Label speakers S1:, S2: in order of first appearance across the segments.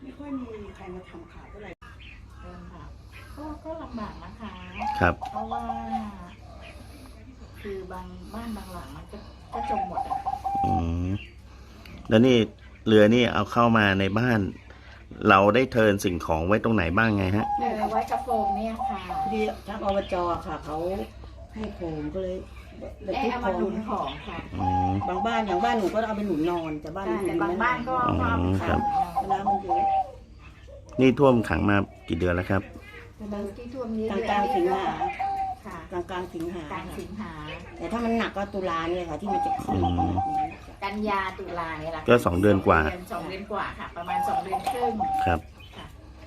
S1: ไม่ค่อยมีใครมาทำข่าวเท่าไหร่
S2: ค่ะก็ลำบากนะคะ
S3: ครับ
S2: เพราะว่า คือบางบ้านบางหลังมันก็จมหมดอ่ะ
S3: อืมแล้วนี่เรือนี่เอาเข้ามาในบ้าน เราได้เทิร์นสิ่งของไว้ตรงไหนบ้างไงฮะ
S2: ไว้กระโปรงเนี่ยค่ะ
S1: ดีทางอบจค่ะเขาให้โคมก็เลยแบบที่
S2: เอา
S1: โค
S2: มาหนุนของค่ะ
S3: อืม
S1: บางบ้านอย่างบ้านหนูก็เอาไปหนุนนอนแต่บ้านหนู
S2: แต่บางบ้านก็เอาไป
S3: ครั
S2: ขั
S3: บ
S2: ง
S1: น้ำมันเยอะ
S3: นี่ท่วมขังมากี่เดือนแล้วครับ
S2: ที่ท่วมนี้
S1: กลางสิงหา
S2: ค่ะ
S1: กลางสิงหาก
S2: ลางสิงหา
S1: แต่ถ้ามันหนักก็ตุลาเนี่ยค่ะที่มันจะขึ้น
S2: กันยาตุลาเนี่ยแหละ
S3: ก็2 เดือนกว่า
S2: 2 เดือนกว่าค่ะ ประมาณ2 เดือนครึ่ง
S3: ครับ
S2: ค่ะ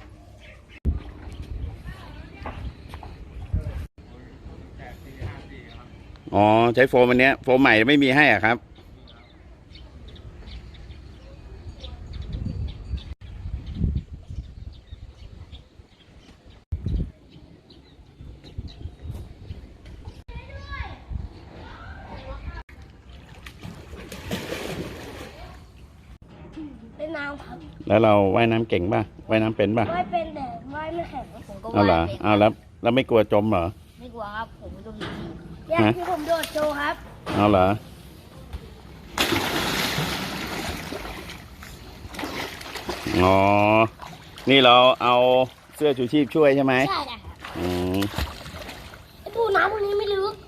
S3: อ๋อใช้โฟมอันเนี้ยโฟมใหม่ไม่มีให้อ่ะครับ
S4: เล่นน้ำครับ
S3: แล้วเราว่ายน้ำเก่งป่ะว่ายน้ำเป็นป่ะ
S4: ว่ายเป็นแต่ว่ายไม่แข็งผมก็
S3: เอา
S4: ว่าย
S3: เหรอ
S4: เป็น
S3: เอาแล้วไม่กลัวจมเหรอ
S4: ไม่กลัวครับผมโดนทีเนี่ย
S3: ฮะ
S4: ที่ผมโดดโชว์ครับ
S3: เอาเหรออ๋อนี่เราเอาเสื้อชูชีพช่วยใช่ไหม
S4: ใช่ครับ
S3: อืม
S4: ไอ้ปูน้ำพวกนี้ไม่ลึก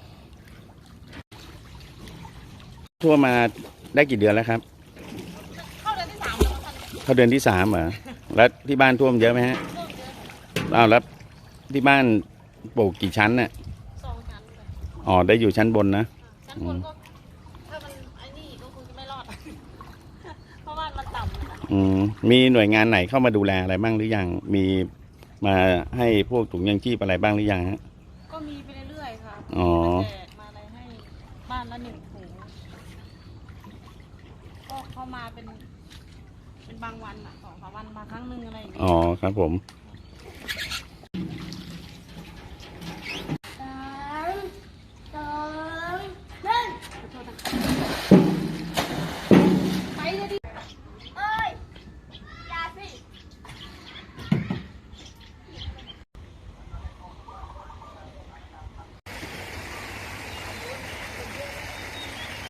S3: ท่วมมาได้กี่เดือนแล้วครับ เข้าเดือนที่ 3เหรอแล้วที่บ้านท่วมเยอะไหมฮะอ้าวแล้วที่บ้านปลูกกี่ชั้นเนี่ย
S4: 2 ชั้น
S3: อ๋อได้อยู่ชั้นบนนะ
S4: ชั้นบนก็ถ้ามันไอ้นี่ก็คงจะไม่รอด เพราะว่ามันต่ำ
S3: อืมมีหน่วยงานไหนเข้ามาดูแลอะไรบ้างหรือยังมีมาให้พวกถุงยังชีพอะไรบ้างหรือยังฮะ
S5: ก็มีไปเรื่อยๆค่ะ
S3: อ๋อ
S5: มาแจกมาอะไรให้บ้านละ1 ถุง ก็เข้ามาเป็นบางวันอ่ะ2-3 วันมาครั้งหนึ่งอะไรอย่างเงี้ย
S3: อ๋อครับผม
S5: ค